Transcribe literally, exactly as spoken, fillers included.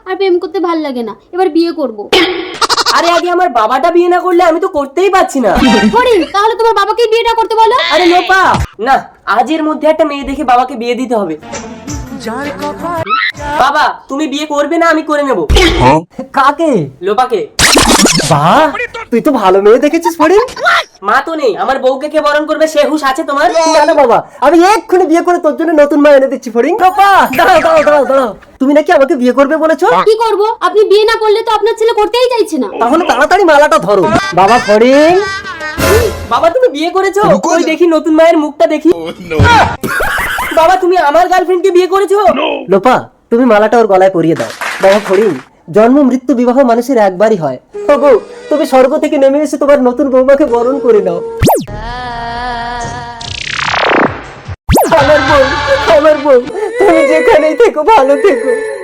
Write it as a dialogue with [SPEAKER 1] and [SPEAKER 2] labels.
[SPEAKER 1] আর প্রেম করতে ভাল লাগে না, এবার বিয়ে করব।
[SPEAKER 2] আরে আগে আমার বাবাটা বিয়ে না করলে আমি তো করতেই পারছি না।
[SPEAKER 1] ফরিন, তাহলে তোমার বাবাকেই বিয়েটা করতে বলো।
[SPEAKER 2] আরে লোপা, না, আজের মধ্যে একটা মেয়ে দেখে বাবাকে বিয়ে দিতে হবে। বাবা, তুমি বিয়ে করবে না আমি করে নেব।
[SPEAKER 3] কাকে?
[SPEAKER 2] লোপাকে।
[SPEAKER 3] বাহ, তুই তো ভালো মেয়ে দেখেছিস ফরিন।
[SPEAKER 2] মা তো নেই, আমার বউকে কে বরণ করবে সে হুঁশ আছে তোমার?
[SPEAKER 3] না না বাবা, আমি এক্ষুনি বিয়ে করে তোর জন্য নতুন মা এনে দিচ্ছি ফরিন। বাবা দাঁড়াও দাঁড়াও দাঁড়াও দাঁড়াও, তুমি নাকি আমাকে বিয়ে করবে বলেছো?
[SPEAKER 1] কি করব? আপনি বিয়ে না করলে তো আপনার ছেলে করতেই চাইছে না।
[SPEAKER 3] তাহলে তাড়াতাড়ি মালাটা ধরো। বাবা ফরিন।
[SPEAKER 2] বাবা তুমি বিয়ে করেছো? ওই দেখি নতুন মায়ের মুখটা দেখি। বাবা তুমি আমার গার্লফ্রেন্ডকে বিয়ে করেছো?
[SPEAKER 3] লোপা, তুমি মালাটা ওর গলায় পরিয়ে দাও। বাবা ফরিন, জন্ম মৃত্যু বিবাহ মানুষের একবারই হয়। ওগো, তুমি স্বর্গ থেকে নেমে এসে তোমার নতুন বৌমাকে বরণ করে নাও। আমার বউ, আমার বউ, তুমি যেখানেই থেকো ভালো থেকো।